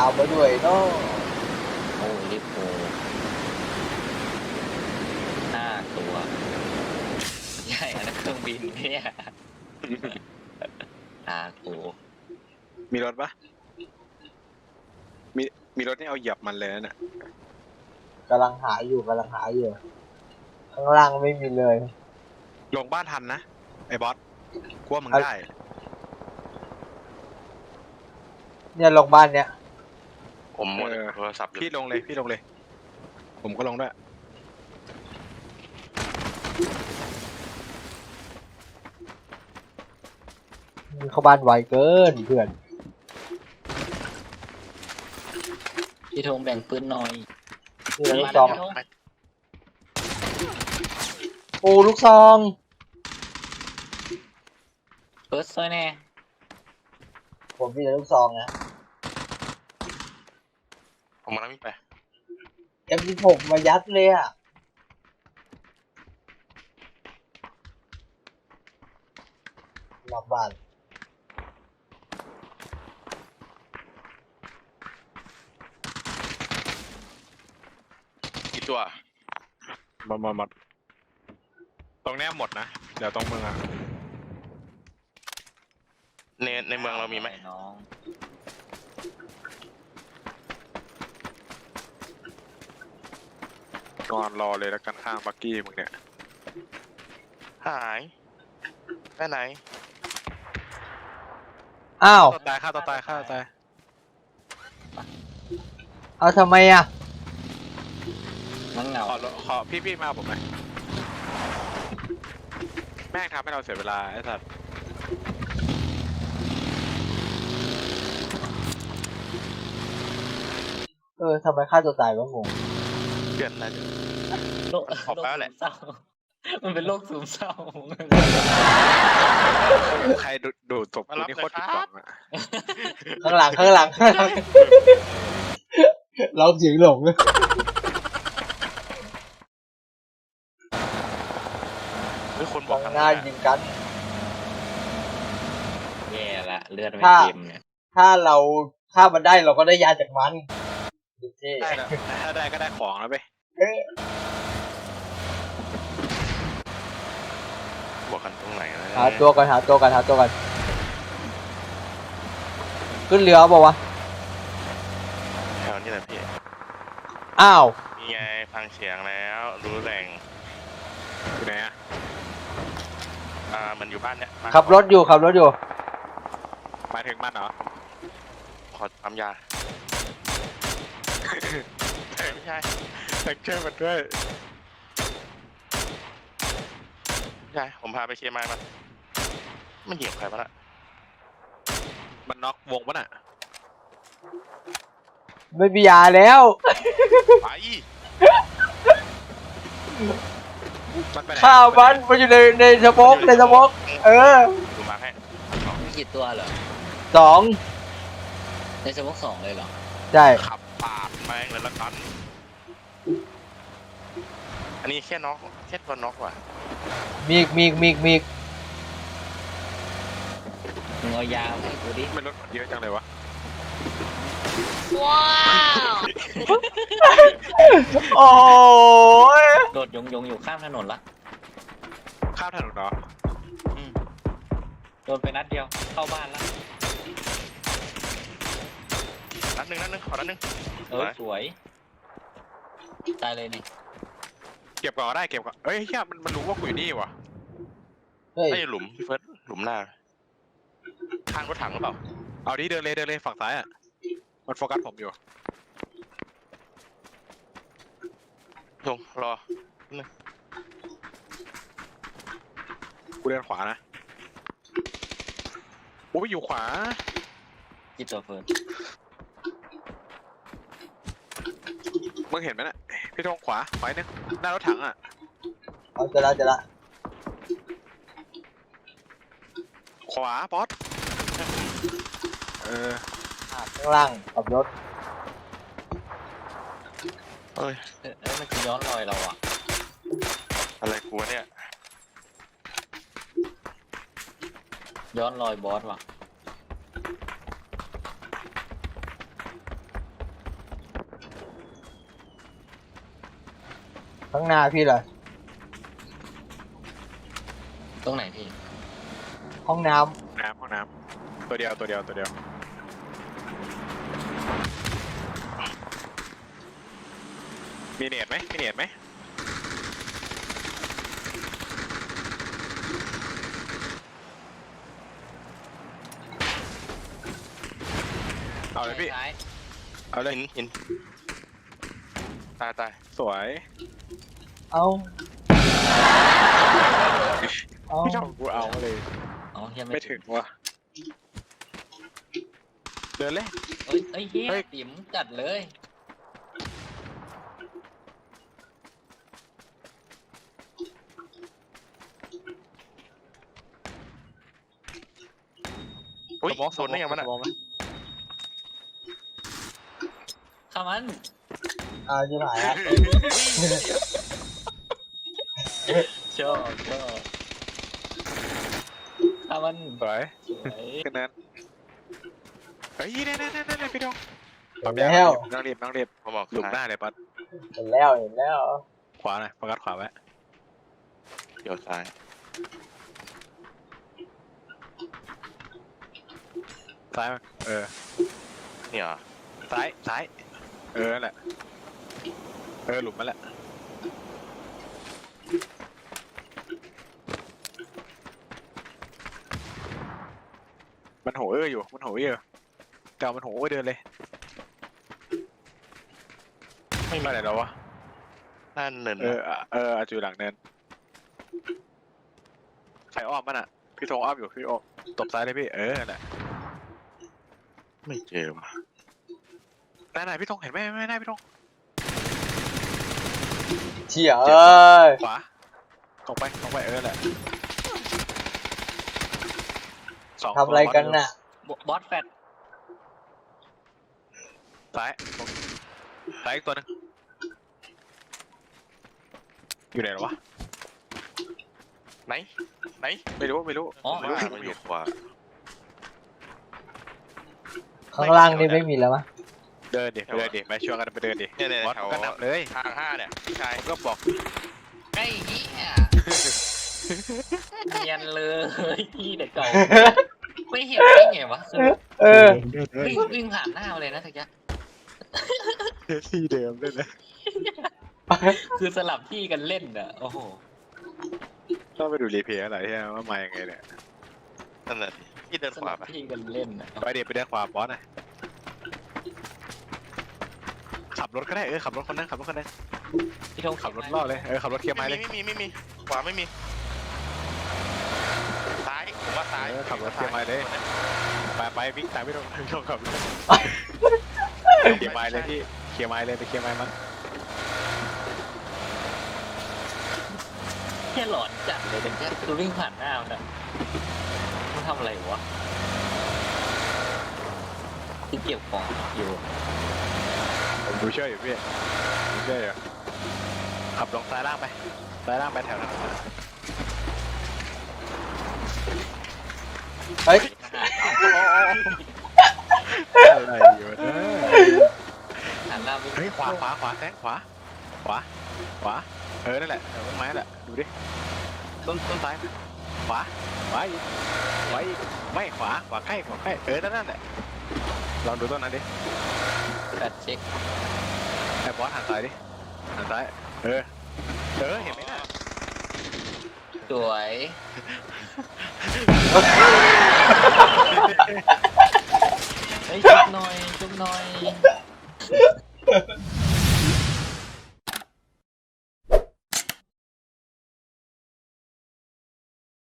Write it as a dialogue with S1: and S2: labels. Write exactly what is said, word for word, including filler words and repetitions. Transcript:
S1: ามมาด้วยเนาะ
S2: โอ้ลิโพห้าตัวใช่อันนั้นเครื่องบินเนี่ยอาโก
S3: มีรถปะมีมีรถนี่เอาเหยียบมันเลยนะเนี่ย
S1: กำลังหาอยู่กำลังหาอยู่ข้างล่างไม่มีเลย
S3: ลงบ้านทันนะไอ้บอสกลัวมึงได้
S1: เนี่ยลงบ้านเนี้ย
S4: ผมหมดโทรศัพท์
S3: พี่ลงเลยพี่ลงเลยผมก็ลงด้วย
S1: เข้าบ้านไวเกินเพื่อน
S2: พี่ธงแบ่งปืนหน่อย
S1: นี่ลูกซองโอ้ลูกซอง
S2: เปิดซอยแน่
S1: ผมมีแต่ลูกซองนะ
S4: ผมมาแล้ววิ่งไป
S1: เอ็มสิบหกมายัดเลยอ่ะหลับบ้าน
S4: กี่ตัว
S3: มามามาตรงนี้หมดนะเดี๋ยวตรงเมืองอะ
S4: ในในเมืองเรามีไหม
S2: น้อง
S3: นอนรอเลยแล้วกันข้างบักกี้มึงเนี่ย
S4: หายไปไหน
S1: อ้าว
S3: ตายฆ่าตัวตายฆ่าตัวตาย
S1: เอาทำไมอ่ะ
S2: มันเหงา
S3: ขอขอพี่พี่มาผมหน่อยแม่งทำให้เราเสียเวลาไอ้สัตว์
S1: เออทำไมฆ่าตัวตายวะงง
S4: เดือนนะ
S2: โรคโรคซึมเศร้ามันเป็นโรคซึมเศร้า
S3: ใครดูดูศพกูนี่โคตรผิดหวังอะ
S1: ข้างหลังข้างหลังข้างหลังเราเสียงหลงเลย
S4: มีคนบอกกัน
S1: หน้ายิงกัน
S2: แย่ละเลือดไม่เต็มเนี่ย
S1: ถ้าเราฆ่ามันได้เราก็ได้ยาจากมัน
S3: ได้แล้วถ้าได้ก็ได้ของแล้วไป
S4: บอกกันตรงไหนนะ
S1: หาตัวกันหาตัวกันหาตัวกันขึ้นเรือบอกว่า
S4: แถวนี้แหละพี่
S1: อ้าว
S4: มีไงฟังเสียงแล้วรู้แหล่ง
S3: อยู่ไหนอะ
S4: อ่ามันอยู่บ้านเนี้ย
S1: ขับรถอยู่ขับรถอยู่
S3: มาถึงมันเหรอ
S4: ขอปั๊มยาไม่ใช่
S3: แท็กเจอร์มันด้วย
S4: ใช่ผมพาไปเชียร์มามันมันเหยียบใครปะล่ะ
S3: มันน็อกวงปะน่ะ
S1: ไม่มียาแล้ว
S4: ไป
S1: ข้าวมันมันอยู่ในในสมองในสมองเออ
S4: ดูมาให้
S2: มีกี่ตัวเหรอ
S1: สอง
S2: ในสมองสองเลยเหรอ
S1: ใช่
S4: ขับปาดแม่งเลยละกันอันนี้แค่น็อกแค่ตัวน็อกว่ะ
S1: มีกมีกมีกมีก
S2: มึงเอายาให้กูดิ
S3: มันรถเยอะจังเลยวะ
S1: ว้าวโอ้ย
S2: โดดยงยงอยู่ข้างถนนละ
S3: ข้ามถนนเหรอ
S2: อืมโดนไปนัดเดียวเข้าบ้านละ
S4: นัดหนึ่งนัดหนึ่งขอนัดหนึ่ง
S2: เออสวยตายเลยนี่
S3: เก็บก่อนก็ได้เก็บก่อนเฮ้ยเฮียมันมันรู้ว่ากูอยู่นี่วะ
S1: เฮ้ย
S4: ไอ้หลุมพี่เฟิร์สหลุมหน้าข้างรถถังหรือเปล่า
S3: เอาดิเดินเลยเดินเลยฝั่งซ้ายอ่ะมันโฟกัสผมอยู่
S4: ลงรอนึง
S3: กูเดินขวานะกูไปอยู่ขวา
S2: กี่ตัวเฟิร์ส
S3: มึงเห็นไหมน่ะพี่ทงขวาขวานึงหน้ารถถังอ่ะ
S1: เอาจะละจะละ
S3: ขวาบอสเออ
S1: ข้างล่างขับรถ
S4: เอ้ย
S2: เอ้ยมันจะย้อนรอยเราอ่ะ
S4: อะไรกูเนี่ย
S2: ย้อนรอยบอสว่ะ
S1: ข้างหน้าพี่เหรอ
S2: ตรงไหนพี่
S1: ห้องน้
S3: น้ำห้องน้ำตัวเดียวตัวเดียวตัวเดียวมีเน็ตไหมมีเน็ตไหมเอาเลยพี่
S2: ซ้าย
S3: เอาเลย
S4: หินหินตายตาย
S3: สวย
S1: ำเอาเอา
S3: พี่ชอบกูเอาเลย
S2: อ๋อยัง
S3: ไม่
S2: ไม่
S3: ถึงว่ะเดินเลย
S2: เอ้ยเอ้ยเฮีย
S3: เฮ้ย
S2: ติ๋มจัดเลย
S4: อุ้ย
S3: สมอง
S4: โดนได้ยังมัน
S3: ส
S4: อ่ะ
S3: มองไหม
S2: ข้ามัน
S1: เอาที่ไหนอะ
S2: ชอบชอบข้ามัน
S3: สวย
S2: สวย
S3: แค่นั้นเฮ้ยนั่นนั่นนั่นนั่นพี่ดง
S1: เห็นแล้ว
S3: น้องรีบน้องรีบ
S4: ผมบอก
S3: หลุมหน้าเลยปัด
S1: เห็นแล้วเห็นแล้ว
S3: ขวาหน่อยโฟกัสขวาไว้
S4: เดี๋ยวซ้าย
S3: ซ้ายมาเออ
S4: เนี่ยเหรอ
S3: ซ้ายซ้ายเออนั่นแหละเออหลุมนั่นแหละมันโหเอออยู่มันโหเออแต่มันโหเออเดินเลย
S4: ไม่
S3: ไป
S4: มี
S3: ไหนแล้ววะ
S4: นั่นเนิน
S3: เอออ่ะเอออาจจะอยู่หลังเนินใส่อ้อมมันอ่ะพี่ธงอ้อมอยู่พี่อ้อมตบซ้ายเลยพี่เออนั่นแหละ
S4: ไม่เจอว่ะ
S3: ไหนไหนพี่ธงเห็นไหมไม่ได้พี่ธง
S1: เชี่ยเอ้ย
S3: ขวาตรงไปตรงไปเออแหละสง
S1: ทำอะไรกันน่ะ
S2: บอสแฟต
S3: ซ้ายตรงซ้ายอีกตัวหนึงอยู่ไหนหรอวะ
S4: ไหนไหน
S3: ไม่รู้ไม่รู้
S2: อ๋อ
S3: ไม่รู้
S4: ว่ามันอยู่ขวา
S1: ข้างล่างนี่ไม่มีแล้วมั้ย
S3: เดินดิเดินดิไปชวนกันไปเดินดิ
S4: เนี่ยเนี่ย
S3: บอส
S4: แถว
S3: ก็นำเลย
S4: ทางห้าเนี่ยพี่ชาย
S3: ผมก็บอก
S2: ไอ้เหี้ยเนียนเลยพี่เด็กเก่าไม่เห็นได้ไงวะคือ
S1: เออ
S2: วิ่งวิ่งผ่านหน้ามาเลยนะทักยะ
S3: ที่เดิมด้วยนะ
S2: คือสลับที่กันเล่นอ่ะโอ้โห
S3: ต้องไปดูรีเพลย์อะไรที่ว่ามายังไงเนี่ย
S4: นั่นแหละดิพี่เดิน
S2: ส
S4: ขวา
S2: ลับ
S4: ไป
S2: ที่กันเล่นอ่ะ
S3: ไปเดี๋ยวไปเดินขวาบอสหน่อยขับรถก็ได้เออขับรถคนนึงขับรถคนนึง
S2: พี่ธง
S3: ขับรถล่อเลยเออขับรถเคลียร์ไม้เลย
S4: ไม่มีไม่มีไม่มีขวาไม่มีซ้ายผมว่าซ้าย
S3: เออขับรถเคลียร์ไม้เลยไปไปวิ่งตามพี่ธงพี่ธงขับรถเคลียร์ไม้เลยพี่เคลียร์ไม้เลยไปเคลียร์ไม้มัน
S2: แค่หลอนจัดเลยแต่แค่คือวิ่งผ่านหน้ามันอะมันทำอะไรวะที่เก็บของอยู่
S3: ผมดูเชื่ออยู่พี่ดูเชื่ออยู่ขับลงซ้ายล่างไปซ้ายล่างไปแถวนั้น
S1: เฮ้ย
S3: อะไรอยู่นะ
S2: หันหน้าวิ่ง
S3: เฮ้ยขวาขวาขวาแซงขวาขวาขวาเออนั่นแหละแถวต้นไม้แหละดูดิต้นต้นซ้ายขวาขวาอีกขวาอีกไม่ขวาขวาใกล้ขวาใกล้เออนั่นแหละลองดูต้นนั้นดิ
S2: แปดเช็ค
S3: ไอ้บอสหันซ้ายดิหันซ้ายเออเออเห็นไหมน่ะ
S2: สวยเฮ้ยจุ๊บหน่อยจุ๊บหน่อย